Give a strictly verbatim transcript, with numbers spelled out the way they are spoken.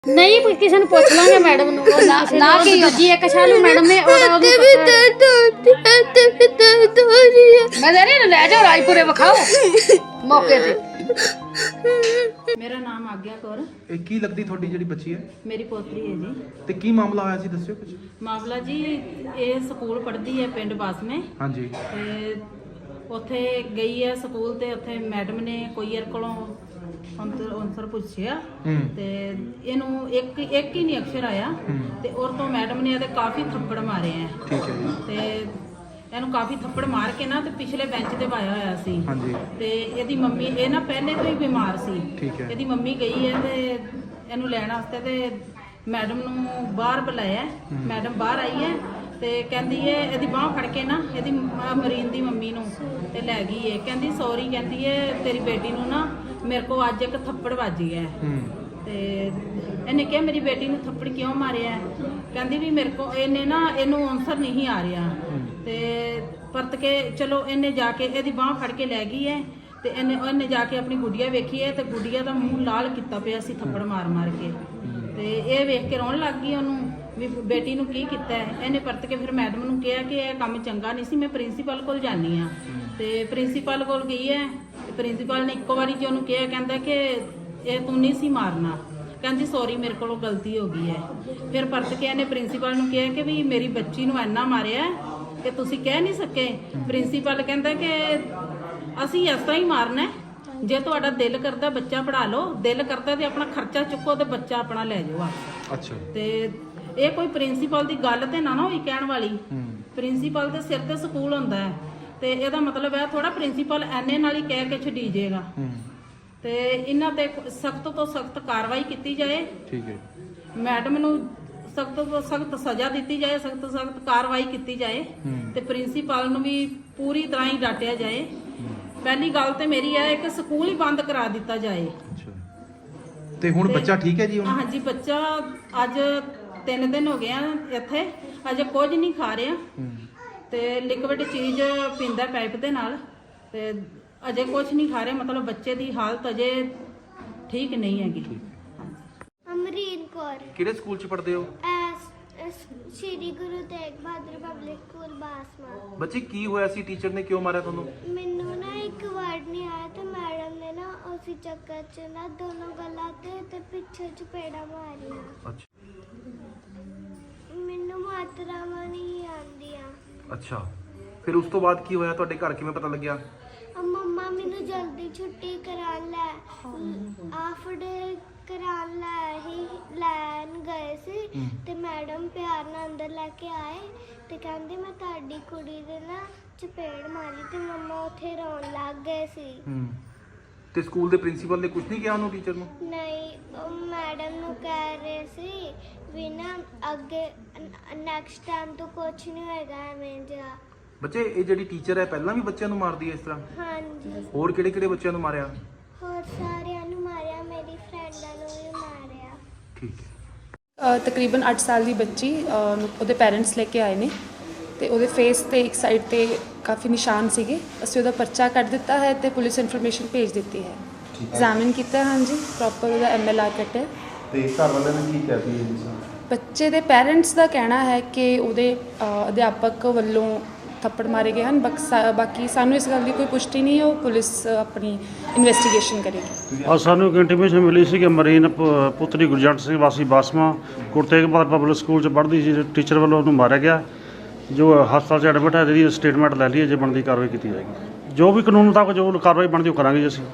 नहीं किसी ने पूछ लांगे मैडम नु ना ना कि जी एक शालू मैडम ने और मैं दे रही ले जाओ रायपुरे विखाओ मौके ते। मेरा नाम आग्या कौर ਇਹ ਕੀ ਲੱਗਦੀ ਤੁਹਾਡੀ ਜਿਹੜੀ ਬੱਚੀ ਹੈ मेरी पोतरी है जी। ਤੇ ਕੀ ਮਾਮਲਾ ਹੋਇਆ ਸੀ ਦੱਸਿਓ ਕੁਝ। मामला जी ये स्कूल पढ़ती है पिंड बासमे ਹਾਂਜੀ ते ਉੱਥੇ ਗਈ ਹੈ ਸਕੂਲ ਤੇ ਉੱਥੇ ਮੈਡਮ ਨੇ ਕੋਈ ਯਾਰ ਕੋਲੋਂ ਅੰਤਰ ਅੰਸਰ ਪੁੱਛਿਆ ਹੂੰ ਤੇ ਇਹਨੂੰ ਇੱਕ ਇੱਕ ਹੀ ਨਹੀਂ ਅਕਸ਼ਰ ਆਇਆ ਤੇ ਔਰ ਤੋਂ ਮੈਡਮ ਨੇ ਇਹਦੇ ਕਾਫੀ ਥੱਪੜ ਮਾਰੇ ਆ ਠੀਕ ਹੈ ਜੀ ਤੇ ਇਹਨੂੰ ਕਾਫੀ ਥੱਪੜ ਮਾਰ ਕੇ ਨਾ ਤੇ ਪਿਛਲੇ ਬੈਂਚ ਤੇ ਪਾਇਆ ਹੋਇਆ ਸੀ ਹਾਂਜੀ ਤੇ ਇਹਦੀ ਮੰਮੀ ਇਹ ਨਾ ਪਹਿਲੇ ਤੋਂ ਹੀ ਬਿਮਾਰ ਸੀ। ਠੀਕ ਹੈ ਇਹਦੀ ਮੰਮੀ ਗਈ ਹੈ ਤੇ ਇਹਨੂੰ ਲੈਣ ਵਾਸਤੇ ਤੇ ਮੈਡਮ ਨੂੰ ਬਾਹਰ ਬੁਲਾਇਆ। ਮੈਡਮ ਬਾਹਰ ਆਈ ਹੈ ਤੇ ਕਹਿੰਦੀ ਹੈ ਇਹਦੀ ਬਾਹ ਫੜ ਕੇ ਨਾ ਇਹਦੀ ਮਰੀਨ ਦੀ ਮੰਮੀ ਨੂੰ ਤੇ ਲੈ ਗਈ ਹੈ। ਕਹਿੰਦੀ ਸੌਰੀ ਕਹਿੰਦੀ ਹੈ ਤੇਰੀ ਬੇਟੀ ਨੂੰ ਨਾ ਮੇਰੇ ਕੋ ਅੱਜ ਇੱਕ ਥੱਪੜ ਵੱਜ ਗਿਆ ਹੂੰ ਤੇ ਇਹਨੇ ਕਿਹਾ ਮੇਰੀ ਬੇਟੀ ਨੂੰ ਥੱਪੜ ਕਿਉਂ ਮਾਰਿਆ। ਕਹਿੰਦੀ ਵੀ ਮੇਰੇ ਕੋ ਇਹਨੇ ਨਾ ਇਹਨੂੰ ਆਨਸਰ ਨਹੀਂ ਆ ਰਿਹਾ ਤੇ ਪਰਤ ਕੇ ਚਲੋ ਇਹਨੇ ਜਾ ਕੇ ਇਹਦੀ ਬਾਹ ਫੜ ਕੇ ਲੈ ਗਈ ਹੈ ਤੇ ਇਹਨੇ ਉਹਨੇ ਜਾ ਕੇ ਆਪਣੀ ਗੁੱਡੀਆ ਵੇਖੀ ਹੈ ਤੇ ਗੁੱਡੀਆ ਦਾ ਮੂੰਹ ਲਾਲ ਕੀਤਾ ਪਿਆ ਸੀ ਥੱਪੜ ਮਾਰ ਮਾਰ ਕੇ ਤੇ ਇਹ ਵੇਖ ਕੇ ਰੋਣ ਲੱਗ ਗਈ ਉਹਨੂੰ ਵੀ ਬੇਟੀ ਨੂੰ ਕੀ ਕੀਤਾ ਹੈ। ਇਹਨੇ ਪਰਤ ਕੇ ਫਿਰ ਮੈਡਮ ਨੂੰ ਕਿਹਾ ਕਿ ਇਹ ਕੰਮ ਚੰਗਾ ਨਹੀਂ ਸੀ ਮੈਂ ਪ੍ਰਿੰਸੀਪਲ ਕੋਲ ਜਾਣੀ ਆ ਤੇ ਪ੍ਰਿੰਸੀਪਲ ਕੋਲ ਗਈ ਹੈ ਤੇ ਪ੍ਰਿੰਸੀਪਲ ਨੇ ਇੱਕੋ ਵਾਰੀ ਜੀ ਉਹਨੂੰ ਕਿਹਾ ਕਹਿੰਦਾ ਕਿ ਇਹ ਤੂੰ ਨਹੀਂ ਸੀ ਮਾਰਨਾ। ਕਹਿੰਦੀ ਸੌਰੀ ਮੇਰੇ ਕੋਲੋਂ ਗਲਤੀ ਹੋ ਗਈ ਹੈ। ਫਿਰ ਪਰਤ ਕੇ ਇਹਨੇ ਪ੍ਰਿੰਸੀਪਲ ਨੂੰ ਕਿਹਾ ਕਿ ਵੀ ਮੇਰੀ ਬੱਚੀ ਨੂੰ ਇੰਨਾ ਮਾਰਿਆ ਕਿ ਤੁਸੀਂ ਕਹਿ ਨਹੀਂ ਸਕੇ। ਪ੍ਰਿੰਸੀਪਲ ਕਹਿੰਦਾ ਕਿ ਅਸੀਂ ਇਸ ਤਰ੍ਹਾਂ ਹੀ ਮਾਰਨਾ ਜੇ ਤੁਹਾਡਾ ਦਿਲ ਕਰਦਾ ਬੱਚਾ ਪੜ੍ਹਾ ਲਓ, ਦਿਲ ਕਰਦਾ ਤੇ ਆਪਣਾ ਖਰਚਾ ਚੁੱਕੋ ਤੇ ਬੱਚਾ ਆਪਣਾ ਲੈ ਜਾਓ। ਅੱਛਾ ਤੇ ਇਹ ਕੋਈ ਪ੍ਰਿੰਸੀਪਲ ਦੀ ਗੱਲ ਤੇ ਨਾ ਨਾ ਹੋਈ ਕਹਿਣ ਵਾਲੀ। ਹੂੰ ਪ੍ਰਿੰਸੀਪਲ ਦੇ ਸਿਰ ਤੇ ਸਕੂਲ ਹੁੰਦਾ ਹੈ ਤੇ ਇਹਦਾ ਮਤਲਬ ਹੈ ਥੋੜਾ ਪ੍ਰਿੰਸੀਪਲ ਐਨੇ ਨਾਲ ਹੀ ਕਹਿ ਕੇ ਛੱਡੀ ਜਾਏਗਾ ਹੂੰ ਤੇ ਇਹਨਾਂ ਤੇ ਸਖਤ ਤੋਂ ਸਖਤ ਕਾਰਵਾਈ ਕੀਤੀ ਜਾਏ। ਠੀਕ ਹੈ ਮੈਡਮ ਨੂੰ ਸਖਤ ਤੋਂ ਸਖਤ ਸਜ਼ਾ ਦਿੱਤੀ ਜਾਏ, ਸਖਤ ਤੋਂ ਸਖਤ ਕਾਰਵਾਈ ਕੀਤੀ ਜਾਏ ਤੇ ਪ੍ਰਿੰਸੀਪਲ ਨੂੰ ਵੀ ਪੂਰੀ ਤਰ੍ਹਾਂ ਹੀ ਡਾਂਟਿਆ ਜਾਏ। ਪਹਿਲੀ ਗੱਲ ਤੇ ਮੇਰੀ ਹੈ ਕਿ ਸਕੂਲ ਹੀ ਬੰਦ ਕਰਾ ਦਿੱਤਾ ਜਾਏ। ਅੱਛਾ ਤੇ ਹੁਣ ਬੱਚਾ ਠੀਕ ਹੈ ਜੀ ਹੁਣ। ਹਾਂਜੀ ਬੱਚਾ ਅੱਜ ਤਿੰਨ ਦਿਨ ਹੋ ਗਏ ਆ ਇੱਥੇ ਅਜੇ ਕੁਝ ਨਹੀਂ ਖਾ ਰਿਹਾ ਤੇ ਲਿਕਵਿਡ ਚੀਜ਼ ਪੀਂਦਾ ਪਾਈਪ ਦੇ ਨਾਲ ਤੇ ਅਜੇ ਕੁਝ ਨਹੀਂ ਖਾ ਰਿਹਾ। ਮਤਲਬ ਬੱਚੇ ਦੀ ਹਾਲਤ ਅਜੇ ਠੀਕ ਨਹੀਂ ਹੈਗੀ। ਅਮਰੀਨ ਕੌਰ ਕਿਹੜੇ ਸਕੂਲ ਚ ਪੜ੍ਹਦੇ ਹੋ? S S- Shri Guru Tegh Bahadur public school Basma. ਬੱਚੇ ਕੀ ਹੋਇਆ ਸੀ? ਟੀਚਰ ਨੇ ਕਿਉਂ ਮਾਰਿਆ ਤੁਹਾਨੂੰ? ਮੈਨੂੰ ਨਾ ਇੱਕ ਵਰਡ ਨਹੀਂ ਆਇਆ ਤੇ ਮੈਡਮ ਨੇ ਨਾ ਉਸੇ ਚੱਕਰ 'ਚ ਨਾ ਦੋਨੋਂ ਗੱਲਾਂ ਤੇ ਤੇ ਪਿੱਛੇ ਚਪੇੜਾ ਮਾਰੀਆਂ। ਅੱਛਾ ਮੈਨੂੰ ਮਾਤਰਾਵਾਂ ਨਹੀਂ ਆਉਂਦੀਆਂ। ਅੱਛਾ ਫਿਰ ਉਸ ਤੋਂ ਬਾਅਦ ਕੀ ਹੋਇਆ? ਤੁਹਾਡੇ ਘਰ ਕਿਵੇਂ ਪਤਾ ਲੱਗਿਆ? ਅ ਮੰਮਾ ਮੈਨੂੰ ਜਲਦੀ ਛੁੱਟੀ ਕਰਾਉਣ ਲੈ ਹਾਫ ਡੇ ਕਰਾਉਣ ਲੈ ਹੀ ਲੈਣ ਗਏ ਸੀ ਤੇ ਮੈਡਮ ਪਿਆਰ ਨਾਲ ਅੰਦਰ ਲੈ ਕੇ ਆਏ ਤੇ ਕਹਿੰਦੇ ਮੈਂ ਤੁਹਾਡੀ ਕੁੜੀ ਦੇ ਨਾ ਚਪੇੜ ਮਾਰੀ ਤੇ ਮੰਮਾ ਉੱਥੇ ਰੋਣ ਲੱਗ ਗਏ ਸੀ। ਹੂੰ ਤੇ ਸਕੂਲ ਦੇ ਪ੍ਰਿੰਸੀਪਲ ਨੇ ਕੁਝ ਨਹੀਂ ਕਿਹਾ ਉਹਨੂੰ, ਟੀਚਰ ਨੂੰ? ਨਹੀਂ ਉਹ ਮੈਡਮ ਨੂੰ ਕਹਿ ਰਹੇ ਸੀ ਵੀ ਨਾ ਅੱਗੇ ਨੈਕਸਟ ਟਾਈਮ ਤੋਂ ਕੁਝ ਨਹੀਂ ਹੋਏਗਾ ਐਵੇਂ ਜਿਹਾ। ਬੱਚੇ ਇਹ ਜਿਹੜੀ ਟੀਚਰ ਹੈ ਪਹਿਲਾਂ ਵੀ ਬੱਚਿਆਂ ਨੂੰ ਮਾਰਦੀ ਹੈ ਇਸ ਤਰ੍ਹਾਂ? ਹਾਂਜੀ ਹੋਰ ਕਿਹੜੇ ਕਿਹੜੇ ਬੱਚਿਆਂ ਨੂੰ ਮਾਰਿਆ? ਹੋਰ ਸਾਰਿਆਂ ਨੂੰ ਮਾਰਿਆ, ਮੇਰੀ ਫਰੈਂਡਾਂ ਨੂੰ ਵੀ ਮਾਰਿਆ। ਠੀਕ ਹੈ ਅ, ਤਕਰੀਬਨ ਅੱਠ ਸਾਲ ਦੀ ਬੱਚੀ ਅ, ਉਹਦੇ ਪੈਰੈਂਟਸ ਲੈ ਕੇ ਆਏ ਨੇ ਤੇ ਉਹਦੇ ਫੇਸ ਤੇ ਇੱਕ ਸਾਈਡ ਤੇ ਕਾਫੀ ਨਿਸ਼ਾਨ ਸੀਗੇ। ਅਸੀਂ ਉਹਦਾ ਪਰਚਾ ਕੱਢ ਦਿੱਤਾ ਹੈ ਤੇ ਪੁਲਿਸ ਇਨਫੋਰਮੇਸ਼ਨ ਭੇਜ ਦਿੱਤੀ ਹੈ। ਐਗਜ਼ਾਮਿਨ ਕੀਤਾ ਹਾਂਜੀ ਪ੍ਰੋਪਰ ਉਹਦਾ ਐਮ ਐਲ ਆਰ ਕੱਟਿਆ ਤੇ ਘਰ ਵਾਲਿਆਂ ਨੇ ਕੀ ਕਹਿ ਦਿੱਤੀ ਜੀ? ਬੱਚੇ ਦੇ ਪੈਰੈਂਟਸ ਦਾ ਕਹਿਣਾ ਹੈ ਕਿ ਉਹਦੇ ਅ, ਅਧਿਆਪਕ ਵੱਲੋਂ ਥੱਪੜ ਮਾਰੇ ਗਏ ਹਨ। ਬਕਸਾ ਬਾਕੀ ਸਾਨੂੰ ਇਸ ਗੱਲ ਦੀ ਕੋਈ ਪੁਸ਼ਟੀ ਨਹੀਂ ਹੈ, ਉਹ ਪੁਲਿਸ ਆਪਣੀ ਇਨਵੈਸਟੀਗੇਸ਼ਨ ਕਰੇਗੀ। ਔਰ ਸਾਨੂੰ ਇੱਕ ਇੰਟੀਮੇਸ਼ਨ ਮਿਲੀ ਸੀ ਕਿ ਮਰੀਨ ਪ- ਪੁੱਤਰੀ ਗੁਰਜੰਟ ਸਿੰਘ ਵਾਸੀ ਬਾਸਮਾ ਗੁਰੂ ਤੇਗ ਬਹਾਦਰ ਪਬਲਿਕ ਸਕੂਲ 'ਚ ਪੜ੍ਹਦੀ ਸੀ। ਟੀਚਰ ਵੱਲੋਂ ਉਹਨੂੰ ਮਾਰਿਆ ਗਿਆ ਜੋ ਹਸਪਤਾਲ 'ਚ ਐਡਮਿਟ ਹੈ। ਇਹਦੀ ਸਟੇਟਮੈਂਟ ਲੈ ਲਈ ਹੈ, ਜੇ ਬਣਦੀ ਕਾਰਵਾਈ ਕੀਤੀ ਜਾਏਗੀ। ਜੋ ਵੀ ਕਾਨੂੰਨ ਮੁਤਾਬਕ ਜੋ ਕਾਰਵਾਈ ਬਣਦੀ ਉਹ ਕਰਾਂਗੇ ਜੀ ਅਸੀਂ।